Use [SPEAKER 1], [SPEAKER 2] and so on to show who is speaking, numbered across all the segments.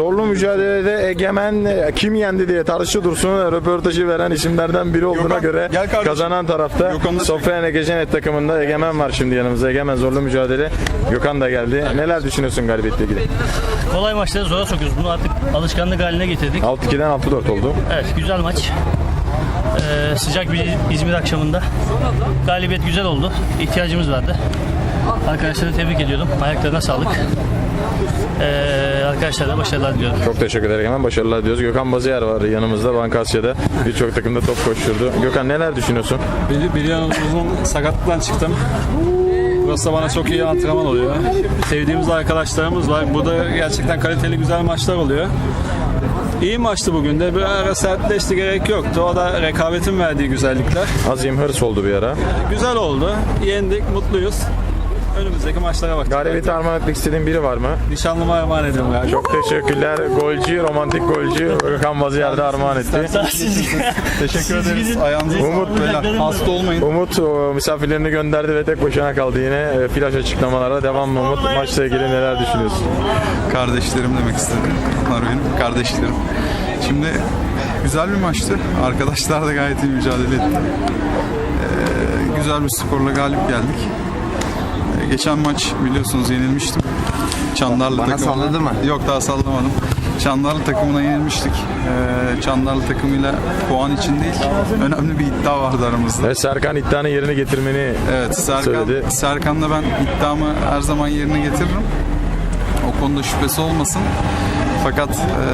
[SPEAKER 1] Zorlu mücadelede Egemen kim yendi diye tartışıyor Dursun. Röportajı veren isimlerden biri olduğuna
[SPEAKER 2] Gökhan,
[SPEAKER 1] göre
[SPEAKER 2] gel kardeşim.
[SPEAKER 1] kazanan tarafta
[SPEAKER 2] Gökhan'la
[SPEAKER 1] Sofyan Egejenet takımında Egemen var şimdi yanımızda. Egemen zorlu mücadele. Gökhan da geldi. Neler düşünüyorsun galibiyetle ilgili?
[SPEAKER 3] Kolay maçları zora sokuyoruz. Bunu artık alışkanlık haline getirdik.
[SPEAKER 1] 6-2'den 6-4 oldu.
[SPEAKER 3] Evet, güzel maç. Sıcak bir İzmir akşamında. Galibiyet güzel oldu. İhtiyacımız vardı. Arkadaşları tebrik ediyorum. Ayaklarına sağlık. Arkadaşlara başarılar diliyorum.
[SPEAKER 1] Çok teşekkür ederim. Hemen başarılar diyoruz. Gökhan Bazıyer var yanımızda. Banka Asya'da birçok takımda top koşturdu. Gökhan neler düşünüyorsun?
[SPEAKER 4] Uzun sakatlıktan çıktım. Burası da bana çok iyi antrenman oluyor. Sevdiğimiz arkadaşlarımız var. Burada gerçekten kaliteli güzel maçlar oluyor. İyi maçtı bugün de. Bir ara sertleşti, gerek yoktu. O da rekabetin verdiği güzellikler.
[SPEAKER 1] Azim hırs oldu bir ara.
[SPEAKER 4] Güzel oldu. Yendik, mutluyuz. Önümüzdeki maçlara bakacağız.
[SPEAKER 1] Galibiyeti armağan etmek istediğin biri var mı?
[SPEAKER 4] Nişanlıma emanet ediyorum. Yani.
[SPEAKER 1] Çok teşekkürler. Golcü, romantik golcü Gökhan Bazıyer'de armağan etti.
[SPEAKER 2] Teşekkür ederiz. Ayağınıza
[SPEAKER 1] Umut,
[SPEAKER 2] sağlık. Hasta olmayın.
[SPEAKER 1] Umut misafirlerini gönderdi ve tek başına kaldı yine. Flash açıklamalara devam mı Umut? Maçla ilgili neler düşünüyorsun?
[SPEAKER 2] Kardeşlerim demek istedim. Onlar benim kardeşlerim. Şimdi güzel bir maçtı. Arkadaşlar da gayet iyi mücadele etti. Güzel bir skorla galip geldik. Geçen maç biliyorsunuz yenilmiştim. Çandarlı
[SPEAKER 5] Bana
[SPEAKER 2] takımına.
[SPEAKER 5] salladı mı?
[SPEAKER 2] Yok, daha sallamadım. Çandarlı takımına yenilmiştik. Çandarlı takımıyla puan için değil, önemli bir iddia vardı aramızda.
[SPEAKER 1] Evet, Serkan iddianın yerini getirmeni
[SPEAKER 2] Evet,
[SPEAKER 1] söyledi.
[SPEAKER 2] Serkan'la ben iddiamı her zaman yerine getiririm. O konuda şüphesi olmasın. Fakat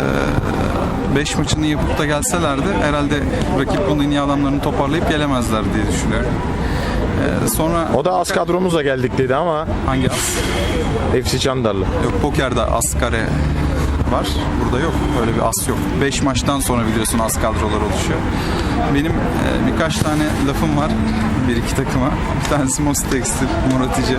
[SPEAKER 2] 5 maçını yapıp da gelselerdi herhalde rakip bunun en iyi adamlarını toparlayıp gelemezler diye düşünüyorum. Sonra
[SPEAKER 1] O da az kadromuzla geldik dedi ama
[SPEAKER 2] hangi as?
[SPEAKER 1] FC Çandarlı.
[SPEAKER 2] Yok, pokerde as kare var. Burada yok. Öyle bir as yok. 5 maçtan sonra biliyorsun as kadrolar oluşuyor. Benim birkaç tane lafım var. Bir iki takıma. Bir tanesi Mos Tekstil, Muratici.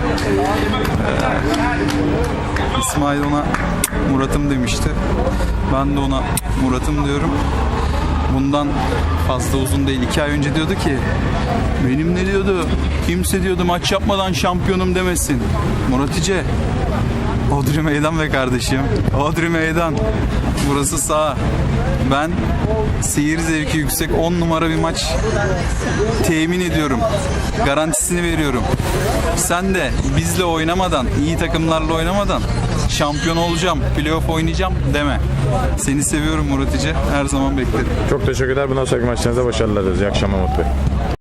[SPEAKER 2] İsmail ona Murat'ım demişti. Ben de ona Murat'ım diyorum. Bundan fazla uzun değil. 2 ay önce diyordu ki benim ne diyordu? Kimse diyordu maç yapmadan şampiyonum demesin. Muratice. Odri meydan be kardeşim. Odri meydan. Burası sağ. Ben seyir zevki yüksek 10 numara bir maç temin ediyorum. Garantisini veriyorum. Sen de bizle oynamadan, iyi takımlarla oynamadan şampiyon olacağım, playoff oynayacağım deme. Seni seviyorum Muratice. Her zaman beklerim.
[SPEAKER 1] Çok teşekkürler. Bundan sonraki maçlarınızda başarılar dileriz. İyi akşamlar Umut Bey.